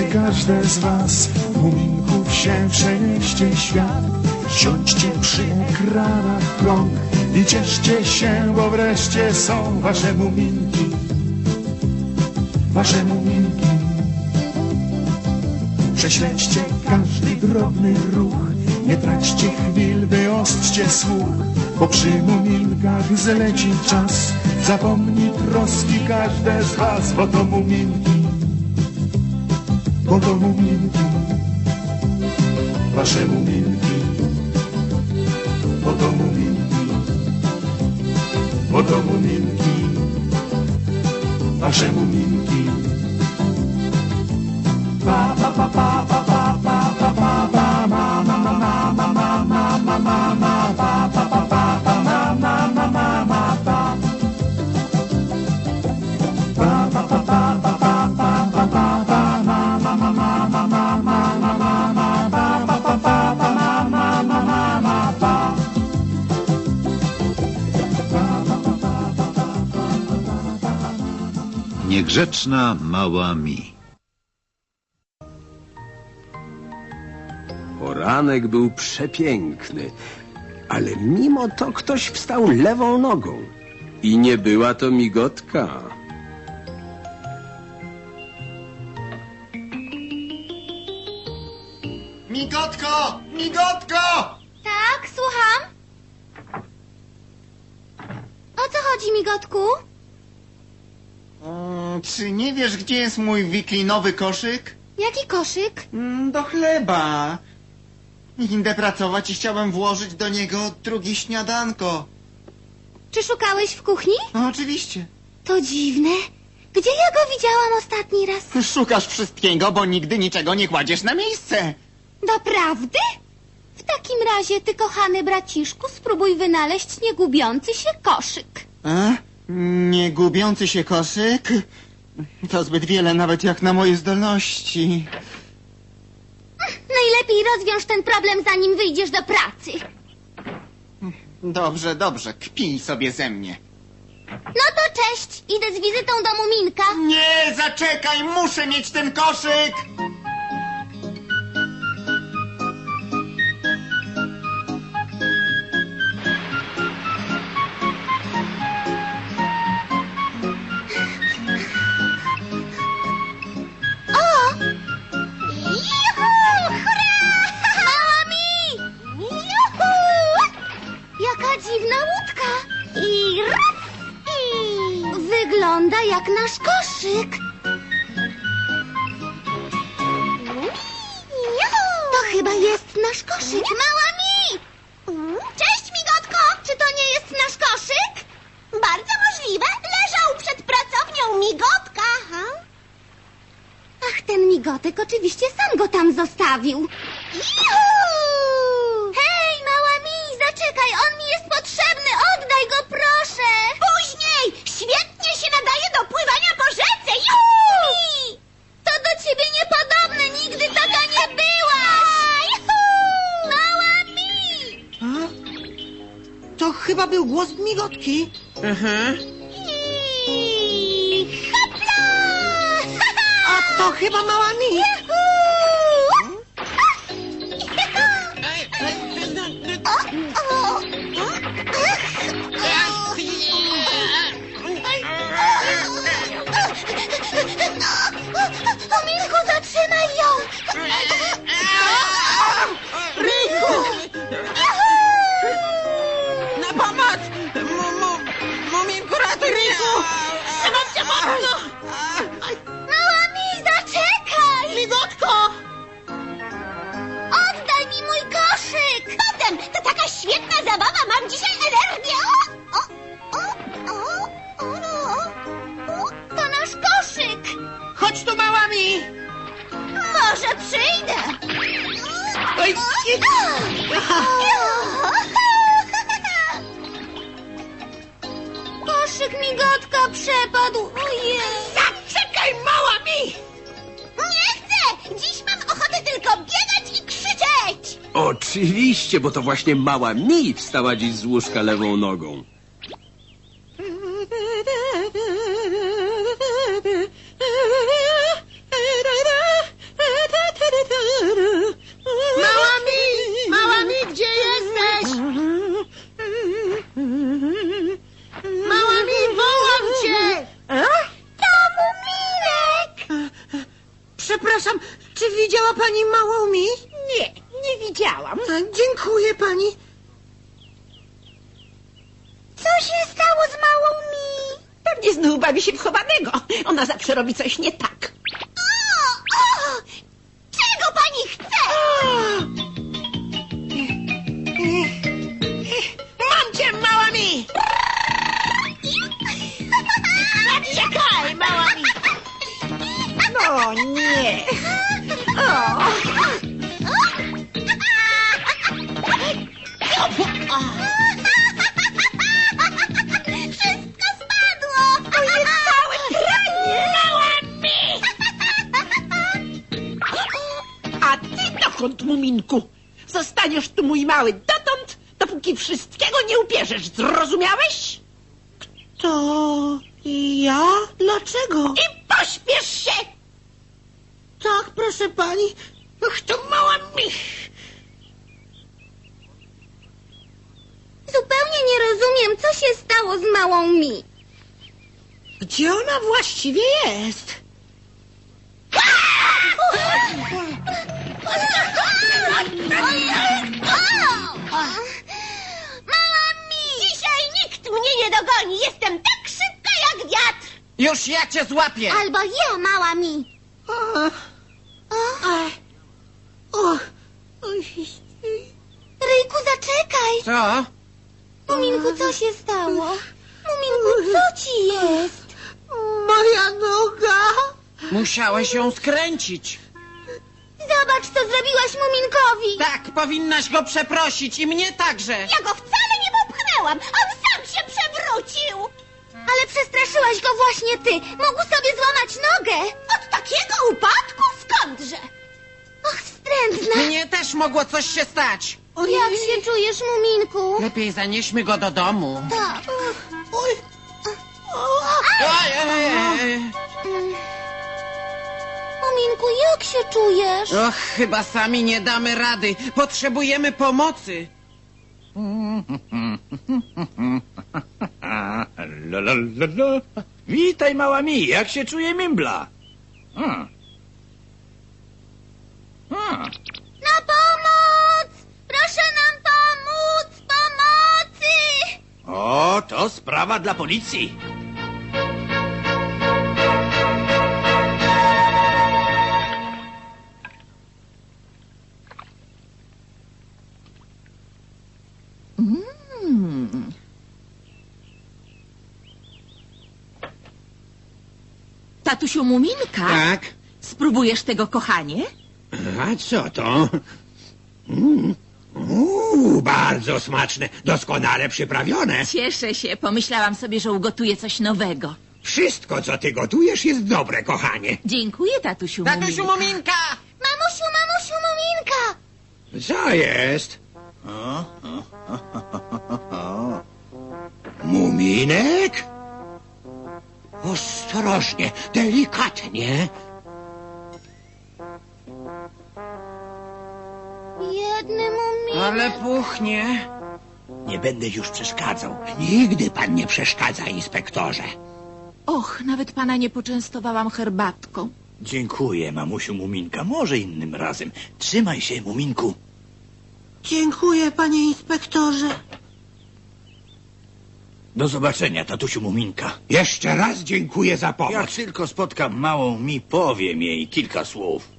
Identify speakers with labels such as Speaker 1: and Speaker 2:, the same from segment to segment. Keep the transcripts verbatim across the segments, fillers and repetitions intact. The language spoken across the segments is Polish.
Speaker 1: każde z was, muminków się przenieście świat. Siądźcie przy ekranach prąd i cieszcie się, bo wreszcie są wasze muminki, wasze muminki. Prześledźcie każdy drobny ruch, nie traćcie chwil, wyostrzcie słuch, bo przy muminkach zleci czas. Zapomni troski każde z was, bo to muminki, bo to muminki, wasze muminki, bo to muminki, bo to muminki, wasze muminki. Pa pa pa pa pa pa pa pa pa pa ma ma ma ma ma ma ma ma ma ma pa pa pa pa pa ma ma ma ma ma pa pa pa pa pa pa pa pa pa pa pa ma ma ma ma ma ma ma ma ma ma pa pa pa pa pa ma ma ma ma ma pa.
Speaker 2: Niegrzeczna mała Mi.
Speaker 3: Poranek był przepiękny, ale mimo to ktoś wstał lewą nogą. I nie była to migotka.
Speaker 4: Migotko! Migotko!
Speaker 5: Tak, słucham? O co chodzi, migotku?
Speaker 4: Mm, czy nie wiesz, gdzie jest mój wiklinowy koszyk?
Speaker 5: Jaki koszyk?
Speaker 4: Mm, do chleba. Idę pracować i chciałem włożyć do niego drugie śniadanko.
Speaker 5: Czy szukałeś w kuchni?
Speaker 4: No, oczywiście.
Speaker 5: To dziwne. Gdzie ja go widziałam ostatni raz?
Speaker 4: Szukasz wszystkiego, bo nigdy niczego nie kładziesz na miejsce.
Speaker 5: Doprawdy? W takim razie, ty kochany braciszku, spróbuj wynaleźć niegubiący się koszyk.
Speaker 4: A? Nie gubiący się koszyk? To zbyt wiele nawet jak na moje zdolności.
Speaker 5: Najlepiej rozwiąż ten problem, zanim wyjdziesz do pracy.
Speaker 4: Dobrze, dobrze, kpij sobie ze mnie.
Speaker 5: No to cześć, idę z wizytą do Muminka.
Speaker 4: Nie, zaczekaj, muszę mieć ten koszyk!
Speaker 5: Dziwna łódka. I raz, i... Wygląda jak nasz koszyk. To chyba jest nasz koszyk. Mała Mi! Cześć, migotko! Czy to nie jest nasz koszyk? Bardzo możliwe. Leżał przed pracownią migotka. Ha? Ach, ten migotek oczywiście sam go tam zostawił. Juhu! Hej, mała Mi, zaczekaj, on mi jest potrzebny, oddaj go, proszę! Później! Świetnie się nadaje do pływania po rzece, juhu! Mi! To do ciebie niepodobne, nigdy taka nie byłaś! Juhu! Mała Mi!
Speaker 6: A? To chyba był głos migotki.
Speaker 4: Aha.
Speaker 5: I... Hopla!
Speaker 6: A to chyba mała Mi.
Speaker 5: Juhu! Muminku, zatrzymaj ją!
Speaker 6: Ryjku! Na pomoc! Muminku, ratuj Ryjku! Trzymam cię mocno!
Speaker 5: Mała Mi, zaczekaj!
Speaker 6: Migotko!
Speaker 5: Oddaj mi mój koszyk! Potem, to taka świetna zabawa, mam dzisiaj energię! O, o, o, o, o, o. To nasz koszyk!
Speaker 6: Chodź tu, mała Mi!
Speaker 5: Może przyjdę!
Speaker 6: Oj,
Speaker 5: Koszyk migotka przepadł! Ojej!
Speaker 6: Zaczekaj, mała Mi!
Speaker 5: Nie chcę! Dziś mam ochotę tylko biegać i krzyczeć!
Speaker 3: Oczywiście, bo to właśnie mała Mi wstała dziś z łóżka lewą nogą.
Speaker 6: przepraszam, czy widziała pani małą mi?
Speaker 7: Nie, nie widziałam.
Speaker 6: A, dziękuję pani.
Speaker 5: Co się stało z małą mi?
Speaker 7: Pewnie znów bawi się w chowanego. Ona zawsze robi coś nie tak.
Speaker 5: O, o! Czego pani chce?
Speaker 7: Mam cię, mała mi! Czekaj, mała mi! No nie! O.
Speaker 5: Wszystko spadło!
Speaker 7: To jest całe pranie! Mała mi! A ty dokąd, Muminku? Zostaniesz tu, mój mały, dotąd, dopóki wszystkiego nie upierzesz. Zrozumiałeś?
Speaker 6: To ja? Dlaczego?
Speaker 7: I pośpiesz się!
Speaker 6: Tak, proszę pani.
Speaker 7: Ach, to mała mi!
Speaker 5: Zupełnie nie rozumiem, co się stało z małą mi.
Speaker 6: Gdzie ona właściwie jest?
Speaker 5: Mała mi! Dzisiaj nikt mnie nie dogoni. Jestem tak szybka jak wiatr.
Speaker 8: Już ja cię złapię!
Speaker 5: Albo ja, mała mi.
Speaker 6: O,
Speaker 5: O,
Speaker 6: o, oj,
Speaker 5: Ryjku, zaczekaj.
Speaker 8: Co?
Speaker 5: Muminku, co się stało? Muminku, co ci jest?
Speaker 6: moja noga.
Speaker 8: Musiałeś ją skręcić.
Speaker 5: Zobacz, co zrobiłaś Muminkowi.
Speaker 8: Tak, powinnaś go przeprosić i mnie także.
Speaker 5: Ja go wcale nie popchnęłam. On sam się przewrócił. Ale przestraszyłaś go właśnie ty. Mógł sobie złamać nogę. Od takiego upadku? Skądże? Och, wstrętna.
Speaker 8: Mnie też mogło coś się stać.
Speaker 5: Jak się czujesz, Muminku?
Speaker 8: Lepiej zanieśmy go do domu.
Speaker 5: Tak.
Speaker 6: Oj,
Speaker 8: Oj, oj, oj.
Speaker 5: Muminku, jak się czujesz?
Speaker 8: Och, chyba sami nie damy rady. Potrzebujemy pomocy.
Speaker 9: La, la, la, la. Witaj, mała mi, jak się czuje Mimbla? Hmm. Hmm.
Speaker 5: Na pomoc! Proszę nam pomóc! Pomocy!
Speaker 9: O, to sprawa dla policji.
Speaker 7: Tatusiu Muminka,
Speaker 3: Tak?
Speaker 7: spróbujesz tego, kochanie?
Speaker 3: A co to? Mm. Uuu, bardzo smaczne, doskonale przyprawione.
Speaker 7: Cieszę się, pomyślałam sobie, że ugotuję coś nowego.
Speaker 3: Wszystko, co ty gotujesz, jest dobre, kochanie.
Speaker 7: Dziękuję, tatusiu
Speaker 8: Tatusiu
Speaker 7: Muminka.
Speaker 8: Muminka!
Speaker 5: Mamusiu, mamusiu, Muminka!
Speaker 3: Co jest? Muminek? Ostrożnie, delikatnie.
Speaker 5: Biedny Muminek.
Speaker 8: Ale puchnie.
Speaker 9: Nie będę już przeszkadzał.
Speaker 3: Nigdy pan nie przeszkadza, inspektorze.
Speaker 7: Och, nawet pana nie poczęstowałam herbatką.
Speaker 9: Dziękuję, mamusiu Muminka. Może innym razem. Trzymaj się, Muminku.
Speaker 6: dziękuję, panie inspektorze.
Speaker 9: Do zobaczenia, tatusiu Muminka.
Speaker 3: Jeszcze raz dziękuję za pomoc.
Speaker 9: Jak tylko spotkam małą mi, powiem jej kilka słów.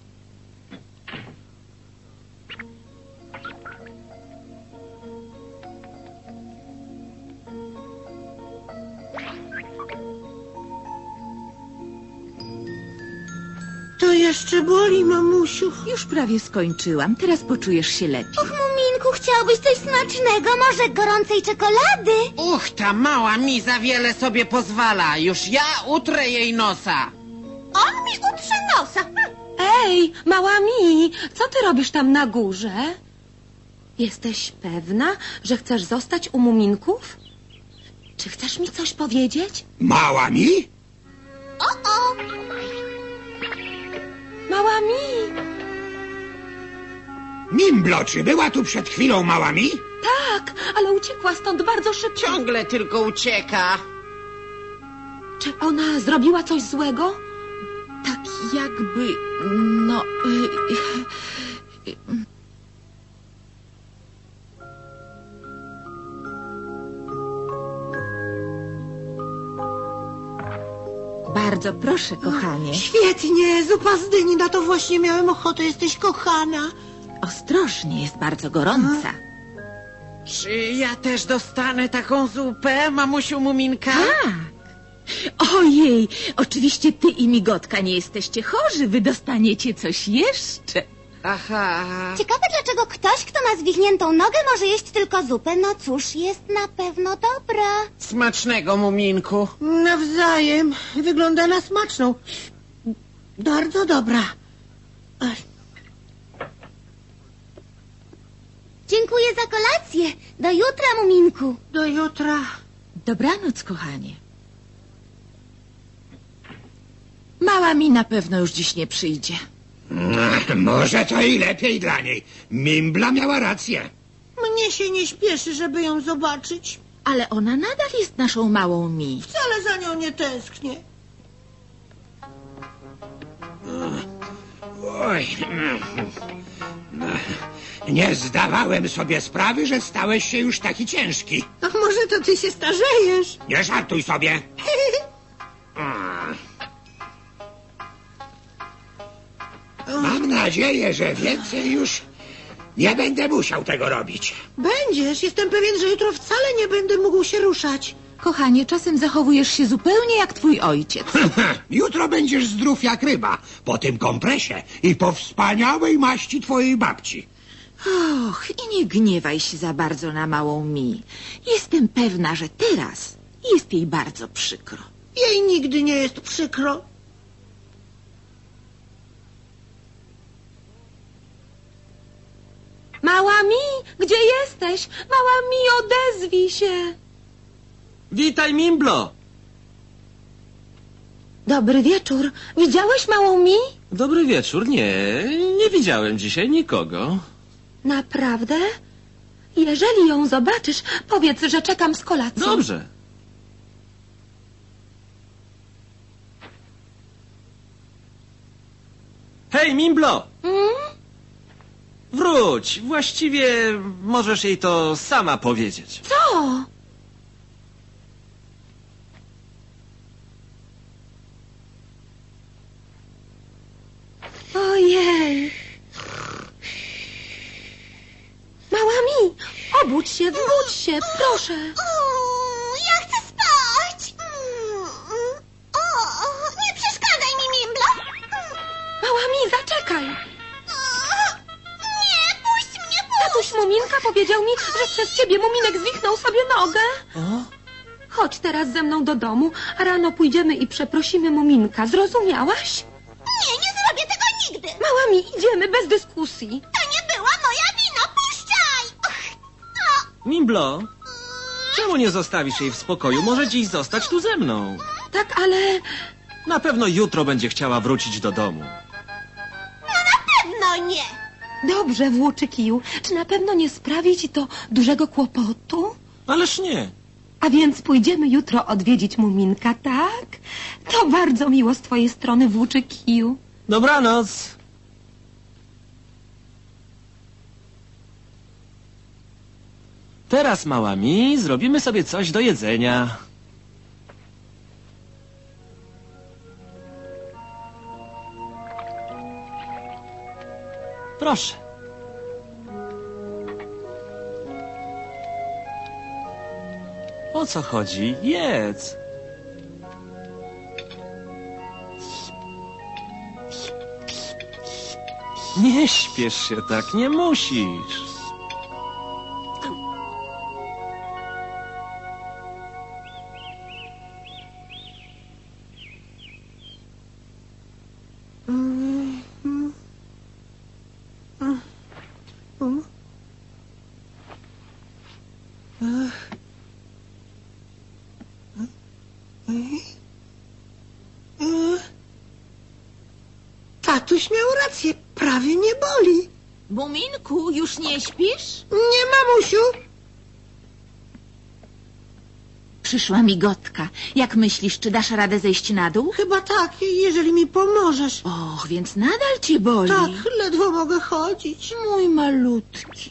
Speaker 6: To jeszcze boli, mamusiu.
Speaker 7: Już prawie skończyłam, teraz poczujesz się lepiej.
Speaker 5: Och, Muminku, chciałbyś coś smacznego? Może gorącej czekolady?
Speaker 8: Uch, ta mała mi za wiele sobie pozwala. Już ja utrę jej nosa.
Speaker 5: On mi utrze nosa.
Speaker 10: Ej, mała mi, co ty robisz tam na górze? Jesteś pewna, że chcesz zostać u Muminków? Czy chcesz mi coś powiedzieć?
Speaker 3: Mała mi?
Speaker 5: O, o!
Speaker 10: Mała mi!
Speaker 3: Mimblo, czy była tu przed chwilą mała mi?
Speaker 10: Tak, ale uciekła stąd bardzo szybko.
Speaker 8: Ciągle tylko ucieka.
Speaker 10: Czy ona zrobiła coś złego?
Speaker 7: Tak jakby
Speaker 11: No... y, y, y. Bardzo proszę, kochanie.
Speaker 6: Świetnie, zupa z dyni, na to właśnie miałem ochotę, jesteś kochana.
Speaker 11: Ostrożnie, jest bardzo gorąca.
Speaker 8: Czy ja też dostanę taką zupę, mamusiu Muminka?
Speaker 11: Tak. Ojej, oczywiście ty i Migotka nie jesteście chorzy, wy dostaniecie coś jeszcze.
Speaker 8: Aha.
Speaker 5: Ciekawe, dlaczego ktoś, kto ma zwichniętą nogę, może jeść tylko zupę. No cóż, jest na pewno dobra.
Speaker 8: Smacznego, Muminku.
Speaker 6: Nawzajem, wygląda na smaczną. Bardzo dobra. Ach,
Speaker 5: Dziękuję za kolację. Do jutra, Muminku.
Speaker 6: do jutra.
Speaker 11: Dobranoc, kochanie. Mała mi na pewno już dziś nie przyjdzie.
Speaker 9: No, może to i lepiej dla niej. Mimbla miała rację.
Speaker 6: Mnie się nie śpieszy, żeby ją zobaczyć.
Speaker 11: Ale ona nadal jest naszą małą mi.
Speaker 6: Wcale za nią nie tęsknię.
Speaker 9: Oj. Nie zdawałem sobie sprawy, że stałeś się już taki ciężki.
Speaker 6: A może to ty się starzejesz?
Speaker 9: Nie żartuj sobie. Mam nadzieję, że więcej już nie będę musiał tego robić.
Speaker 6: Będziesz, jestem pewien, że jutro wcale nie będę mógł się ruszać.
Speaker 11: Kochanie, czasem zachowujesz się zupełnie jak twój ojciec.
Speaker 9: Jutro będziesz zdrów jak ryba, po tym kompresie i po wspaniałej maści twojej babci.
Speaker 11: Och, i nie gniewaj się za bardzo na małą mi. Jestem pewna, że teraz jest jej bardzo przykro.
Speaker 6: Jej nigdy nie jest przykro.
Speaker 10: Mała mi, gdzie jesteś? Mała mi, odezwij się.
Speaker 12: Witaj, Mimblo.
Speaker 10: Dobry wieczór. Widziałeś małą mi?
Speaker 12: Dobry wieczór. Nie, nie widziałem dzisiaj nikogo.
Speaker 10: Naprawdę? Jeżeli ją zobaczysz, powiedz, że czekam z kolacją.
Speaker 12: Dobrze. Hej, Mimblo!
Speaker 10: Mm?
Speaker 12: Wróć. Właściwie możesz jej to sama powiedzieć.
Speaker 10: Co? Ojej. Mała mi, obudź się, wbudź się, proszę.
Speaker 5: Uuu, ja chcę spać. Mm, mm. O, nie przeszkadzaj mi, Mimblo.
Speaker 10: Mała mi, zaczekaj.
Speaker 5: Nie, puść mnie, puść.
Speaker 10: Tatuś Muminka powiedział mi, że przez ciebie Muminek zwichnął sobie nogę.
Speaker 12: O?
Speaker 10: Chodź teraz ze mną do domu, a rano pójdziemy i przeprosimy Muminka. Zrozumiałaś?
Speaker 5: Nie, nie zrobię tego nigdy.
Speaker 10: Mała mi, idziemy bez dyskusji.
Speaker 5: To nie była moja wina, puszczaj. Och, o.
Speaker 12: Mimblo, czemu nie zostawisz jej w spokoju? Może dziś zostać tu ze mną.
Speaker 10: Tak, ale...
Speaker 12: Na pewno jutro będzie chciała wrócić do domu.
Speaker 5: No na pewno nie.
Speaker 10: Dobrze, włóczy kiju. Czy na pewno nie sprawi ci to dużego kłopotu?
Speaker 12: Ależ nie.
Speaker 10: A więc pójdziemy jutro odwiedzić Muminka, tak? To bardzo miło z twojej strony, włóczy kiju.
Speaker 12: Dobranoc. Teraz, mała mi, zrobimy sobie coś do jedzenia. Proszę. O co chodzi? Jedz. Nie śpiesz się tak, nie musisz.
Speaker 6: Tatuś miał rację, prawie nie boli.
Speaker 11: Muminku, już nie śpisz?
Speaker 6: Nie, mamusiu.
Speaker 11: Przyszła migotka. Jak myślisz, czy dasz radę zejść na dół?
Speaker 6: Chyba tak, jeżeli mi pomożesz.
Speaker 11: Och, więc nadal cię boli.
Speaker 6: Tak, ledwo mogę chodzić.
Speaker 11: Mój malutki.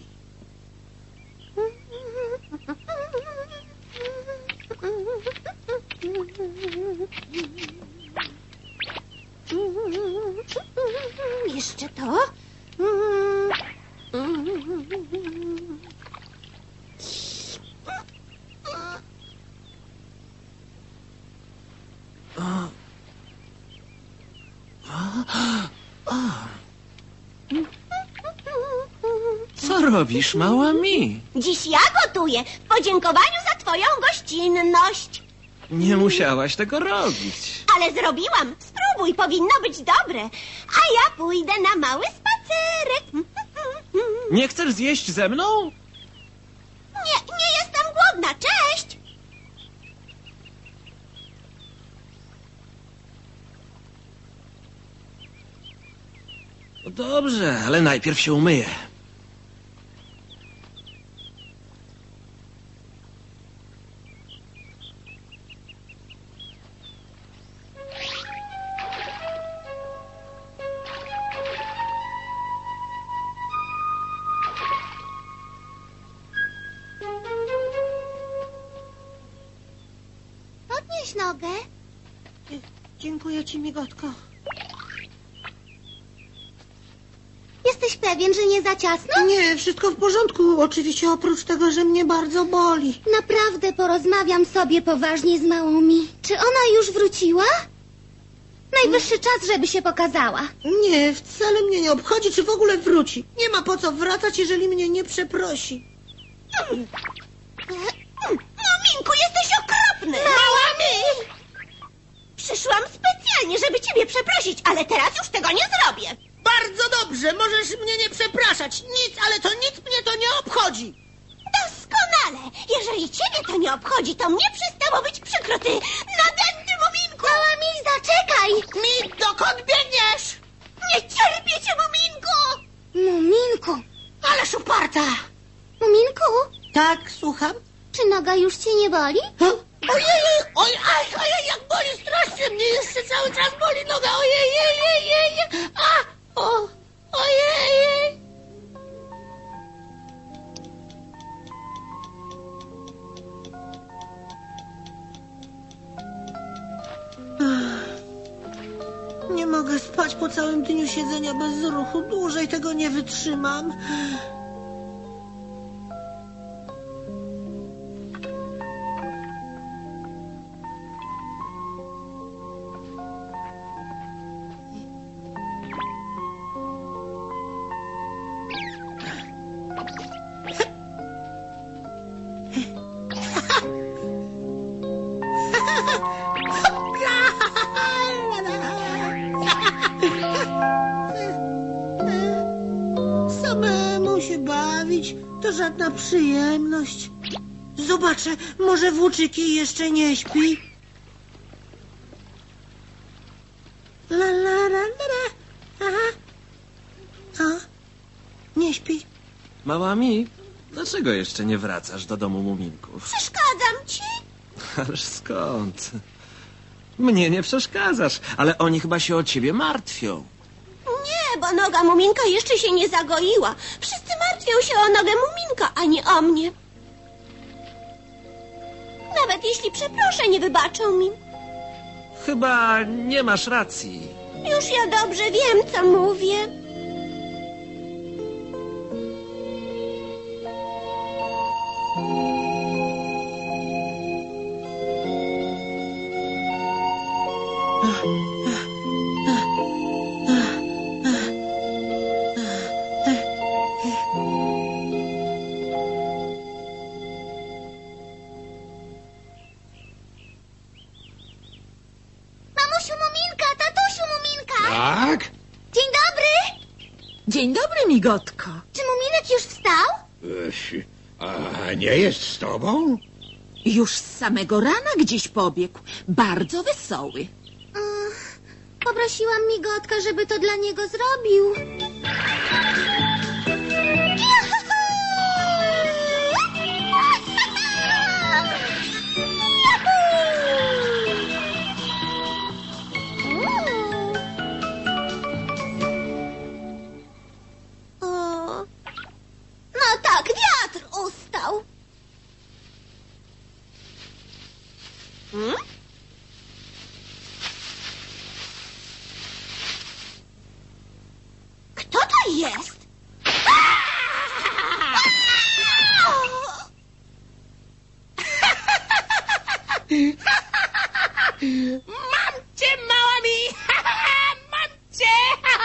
Speaker 5: Jeszcze to.
Speaker 12: Co robisz, mała mi?
Speaker 5: Dziś ja gotuję w podziękowaniu za twoją gościnność.
Speaker 12: Nie musiałaś tego robić.
Speaker 5: Ale zrobiłam. Spróbuj, powinno być dobre. A ja pójdę na mały spacerek.
Speaker 12: Nie chcesz zjeść ze mną?
Speaker 5: Nie, nie jestem głodna. Cześć!
Speaker 12: No dobrze, ale najpierw się umyję.
Speaker 5: Podnieś nogę.
Speaker 6: Dziękuję ci, migotko.
Speaker 5: Jesteś pewien, że nie za ciasno?
Speaker 6: Nie, wszystko w porządku. Oczywiście oprócz tego, że mnie bardzo boli.
Speaker 5: Naprawdę porozmawiam sobie poważnie z małą mi. Czy ona już wróciła? Najwyższy czas, żeby się pokazała.
Speaker 6: Nie, wcale mnie nie obchodzi, czy w ogóle wróci. Nie ma po co wracać, jeżeli mnie nie przeprosi.
Speaker 5: Muminku, jesteś okropny! Mała mi! Przyszłam specjalnie, żeby ciebie przeprosić, ale teraz już tego nie zrobię.
Speaker 6: Bardzo dobrze, możesz mnie nie przepraszać. Nic, ale to nic mnie to nie obchodzi.
Speaker 5: Doskonale! Jeżeli ciebie to nie obchodzi, to mnie przestało być przykro, ty nadęty muminku! Mała mi, zaczekaj!
Speaker 6: Mi, dokąd biegniesz?
Speaker 5: Nie cierpię cię, muminku! Muminku!
Speaker 6: Ależ uparta.
Speaker 5: Muminku,
Speaker 6: Tak, słucham?
Speaker 5: czy noga już cię nie boli?
Speaker 6: Ojej, oj, aj, ojej, jak boli strasznie mnie, jeszcze cały czas boli noga, ojej, ojej, ojej, a, o, ojej. Nie mogę spać po całym dniu siedzenia bez ruchu, dłużej tego nie wytrzymam. Samemu się bawić to żadna przyjemność. Zobaczę, może włóczyki jeszcze nie śpi. La la la la la. Aha. A? Nie śpi.
Speaker 12: Mała mi, dlaczego jeszcze nie wracasz do domu muminków?
Speaker 5: Przeszkadzam ci?
Speaker 12: Ależ skąd? Mnie nie przeszkadzasz, ale oni chyba się o ciebie martwią.
Speaker 5: Nie, bo noga muminka jeszcze się nie zagoiła. Wszyscy martwią się o nogę muminka, a nie o mnie. Nawet jeśli przeproszę, nie wybaczą mi.
Speaker 12: Chyba nie masz racji.
Speaker 5: Już ja dobrze wiem, co mówię. Mamusiu Muminka, tatusiu Muminka!
Speaker 9: Tak?
Speaker 5: Dzień dobry!
Speaker 11: Dzień dobry, migotko.
Speaker 5: Czy Muminek już wstał?
Speaker 9: Ech, a nie jest z tobą?
Speaker 11: Już z samego rana gdzieś pobiegł. Bardzo wesoły.
Speaker 5: Ach, poprosiłam Migotka, żeby to dla niego zrobił. jest?
Speaker 6: Mam cię, mała mi! Mam cię!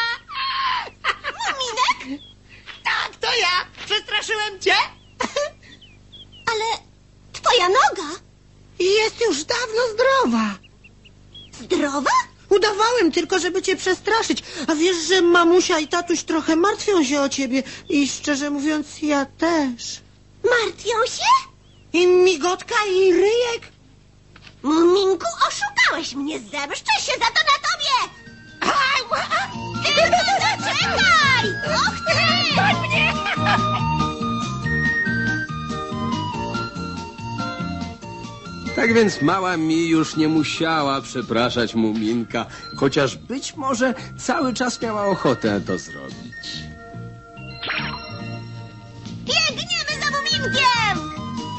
Speaker 5: Muminek?
Speaker 6: Tak, to ja! Przestraszyłem cię?
Speaker 5: Ale twoja noga
Speaker 6: Jest już dawno zdrowa.
Speaker 5: zdrowa?
Speaker 6: Udawałem tylko, żeby cię przestraszyć. A wiesz, że mamusia i tatuś trochę martwią się o ciebie. I szczerze mówiąc, ja też.
Speaker 5: Martwią się?
Speaker 6: I migotka, i ryjek.
Speaker 5: Muminku, oszukałeś mnie, zemszczę się za to na tobie! Tylko zaczekaj! Och ty!
Speaker 6: Goń mnie!
Speaker 3: Tak więc mała mi już nie musiała przepraszać Muminka, chociaż być może cały czas miała ochotę to zrobić.
Speaker 5: Biegniemy za Muminkiem!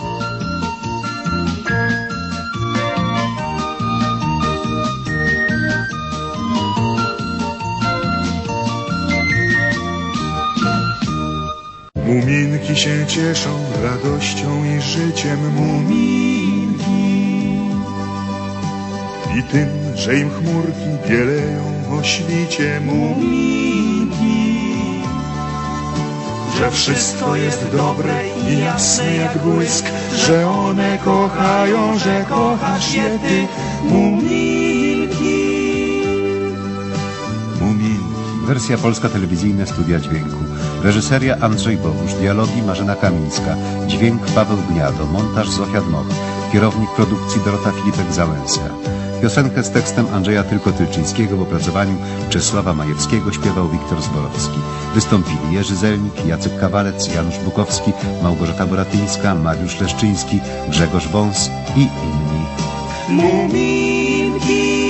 Speaker 1: Muminki się cieszą radością i życiem, muminki. I tym, że im chmurki bieleją o świcie, muminki. Że wszystko jest dobre i jasne jak błysk, że one kochają, że kochasz je ty, muminki. Muminki.
Speaker 13: Wersja polska, telewizyjne studia dźwięku. Reżyseria Andrzej Bogusz, dialogi Marzena Kamińska, dźwięk Paweł Gniado, montaż Zofia Dmoch, kierownik produkcji Dorota Filipek-Załęska. Piosenkę z tekstem Andrzeja Tylko-Tylczyńskiego w opracowaniu Czesława Majewskiego śpiewał Wiktor Zborowski. Wystąpili Jerzy Zelnik, Jacek Kawalec, Janusz Bukowski, Małgorzata Boratyńska, Mariusz Leszczyński, Grzegorz Wąs i inni.
Speaker 1: Muminki.